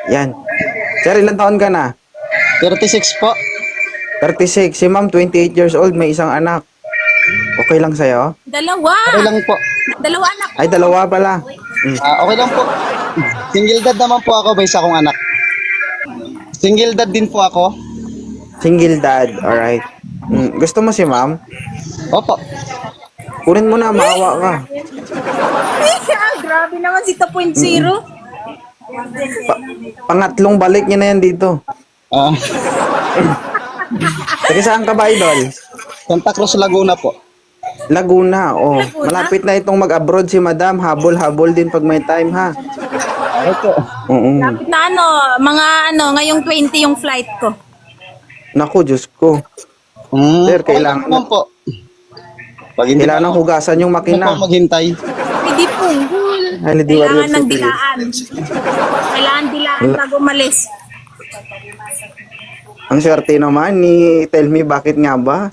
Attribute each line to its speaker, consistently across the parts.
Speaker 1: Yan. Sir, ilang taon ka na?
Speaker 2: 36 po.
Speaker 1: 36. Si ma'am, 28 years old, may isang anak. Okay lang sa'yo?
Speaker 3: Dalawa.
Speaker 2: Okay lang po.
Speaker 3: Dalawa anak.
Speaker 1: Ay, dalawa pala.
Speaker 2: Okay lang po. Single dad naman po ako, may isa akong anak. Single dad din po ako.
Speaker 1: Single dad, alright. Gusto mo si ma'am?
Speaker 2: Opo.
Speaker 1: Kunin mo na, maawa ka.
Speaker 3: Grabe naman si 2.0.
Speaker 1: Pangatlong balik niya na yan dito.
Speaker 2: Ah,
Speaker 1: Taga saan ka ba, idol?
Speaker 2: Santa Cruz, Laguna po.
Speaker 1: Laguna, oh. Malapit na itong mag-abroad si madam. Habol-habol din pag may time, ha?
Speaker 2: Opo.
Speaker 1: Oo.
Speaker 3: Na ngayong 20 yung flight ko.
Speaker 1: Naku, Diyos ko. Sir, kailangan-
Speaker 2: Okay naman po. Pag hindi
Speaker 1: Kailangan hugasan yung
Speaker 2: na
Speaker 1: makina.
Speaker 2: po maghintay.
Speaker 3: Hindi punggol.
Speaker 1: Ay, hindi
Speaker 3: Kailangan
Speaker 1: warrior
Speaker 3: ng
Speaker 1: si Chris.
Speaker 3: dilaan. Kailangan dilaan bago umalis.
Speaker 1: Ang swerte naman ni Tell Me bakit nga ba?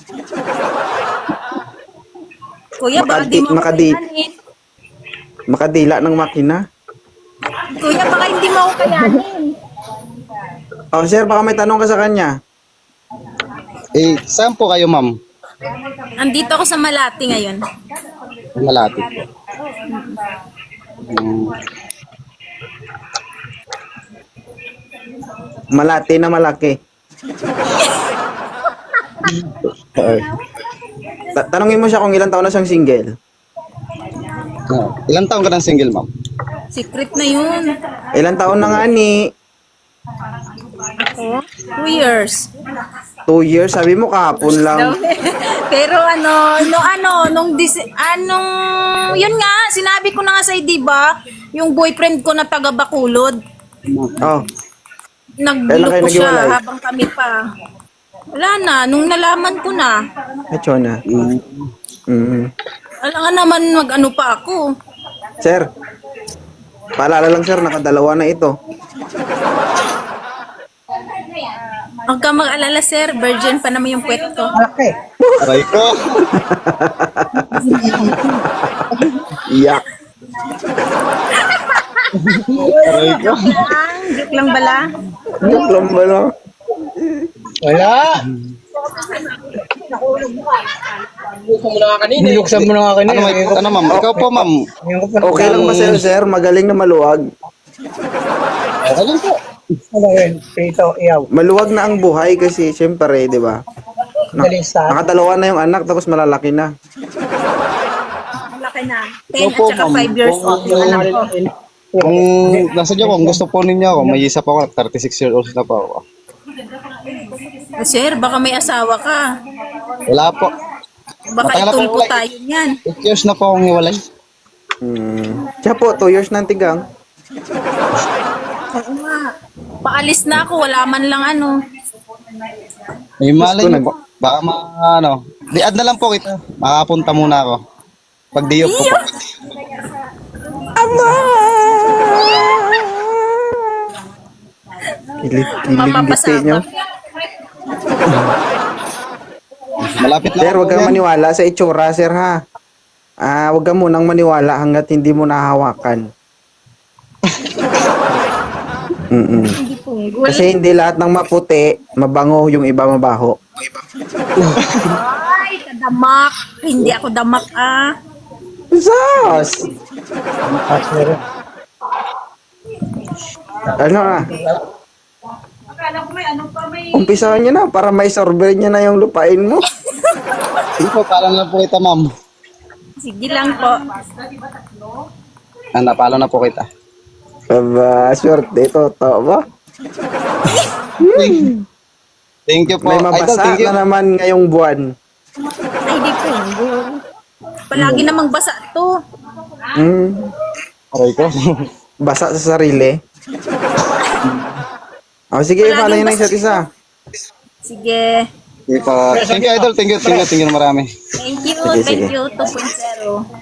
Speaker 3: Kuya, baka di mo ako
Speaker 1: Makadi-
Speaker 3: kayanin.
Speaker 1: Makadila ng makina.
Speaker 3: Kuya, baka hindi mo ako kayanin.
Speaker 1: Oh, sir, baka may tanong ka sa kanya.
Speaker 2: Saan po kayo, ma'am?
Speaker 3: Andito ako sa Malati ngayon.
Speaker 2: Malapit po.
Speaker 1: Malati na malaki. Tanungin mo siya kung ilang taon na siyang single.
Speaker 2: Ilang taon ka ng single, ma'am?
Speaker 3: Secret na yun.
Speaker 1: Ilang taon na nga ni?
Speaker 3: Ako? 2 years.
Speaker 1: 2 years, sabi mo kahapon lang.
Speaker 3: Pero yun nga, sinabi ko na nga sa'yo, di ba? Yung boyfriend ko na taga Bacolod,
Speaker 1: Oh, Kailan kayo
Speaker 3: nagloko siya
Speaker 1: naghiwalay?
Speaker 3: habang kami pa. Wala na, nung nalaman ko na.
Speaker 1: eto na.
Speaker 3: Alam nga naman mag-ano pa ako.
Speaker 1: Sir, paalala lang sir, nakadalawa na ito.
Speaker 3: Huwag ka mag-alala, sir. Virgin pa naman yung puwet ko.
Speaker 2: Aray ko.
Speaker 1: Yak.
Speaker 2: Aray ko.
Speaker 3: Joke lang bala.
Speaker 1: Joke lang ba no?
Speaker 4: Wala. Binuksan mo na nga kanina.
Speaker 2: Ano, ma'am? Ikaw po, ma'am.
Speaker 1: Okay lang ba sir? Magaling na maluwag.
Speaker 2: Okay lang po.
Speaker 4: Ano yun? Prito, iyaw.
Speaker 1: Maluwag na ang buhay kasi siyempre, di ba?
Speaker 4: Dalisa.
Speaker 1: Nakadalawa na yung anak tapos malalaki na.
Speaker 3: Laki na. 10 at saka 5 years old yung anak ko.
Speaker 2: Kung nasa niyo, kung gusto po ninyo ako, may isa pa ako, 36 years old na pa ako.
Speaker 3: Sir, baka may asawa ka.
Speaker 2: Wala po.
Speaker 3: Baka
Speaker 2: Matagal na po
Speaker 3: itulpo
Speaker 2: wala.
Speaker 3: tayo niyan.
Speaker 2: 8 years na po akong hiwalay.
Speaker 1: Siya po, 2 years na ang tigang.
Speaker 3: Oo nga. Paalis na ako, wala man lang ano.
Speaker 2: May malay
Speaker 1: Gusto
Speaker 2: niyo po. Baka di-add na lang po kita. Makapunta muna ako. Pag diyok po po.
Speaker 1: Kilig-kilig
Speaker 3: Mapapasama.
Speaker 1: nyo.
Speaker 2: Malapit na
Speaker 1: Sir,
Speaker 2: ako
Speaker 1: huwag kang
Speaker 2: yan.
Speaker 1: maniwala sa itsura, sir, ha? Huwag kang munang maniwala hanggat hindi mo nahawakan.
Speaker 3: Hindi punggol.
Speaker 1: Kasi hindi lahat ng maputi, mabango, yung iba mabaho.
Speaker 3: Ay, kadamak. Hindi ako damak ah.
Speaker 1: Sus! Ano na? Umpisahan nyo na para may sorber nyo na yung lupain mo.
Speaker 2: Hindi po, parang lang po kita, ma'am.
Speaker 3: Sige lang po.
Speaker 2: Napalo na po kita.
Speaker 1: Aba, swerte ito. Tao ba?
Speaker 2: Thank you po.
Speaker 1: May
Speaker 2: Idol,
Speaker 1: mabasa
Speaker 2: thank you.
Speaker 1: na naman ngayong buwan.
Speaker 3: Ay, di punggol. Palagi namang basa to.
Speaker 2: Aray ko.
Speaker 1: Basa sa sarili. Sige,
Speaker 3: Palaging
Speaker 1: follow nyo na
Speaker 3: basa.
Speaker 1: isa't isa.
Speaker 3: Sige.
Speaker 2: Thank you, idol. Thank you na marami.
Speaker 3: Thank you.
Speaker 1: Sige, sige.
Speaker 3: Thank you. 2.0.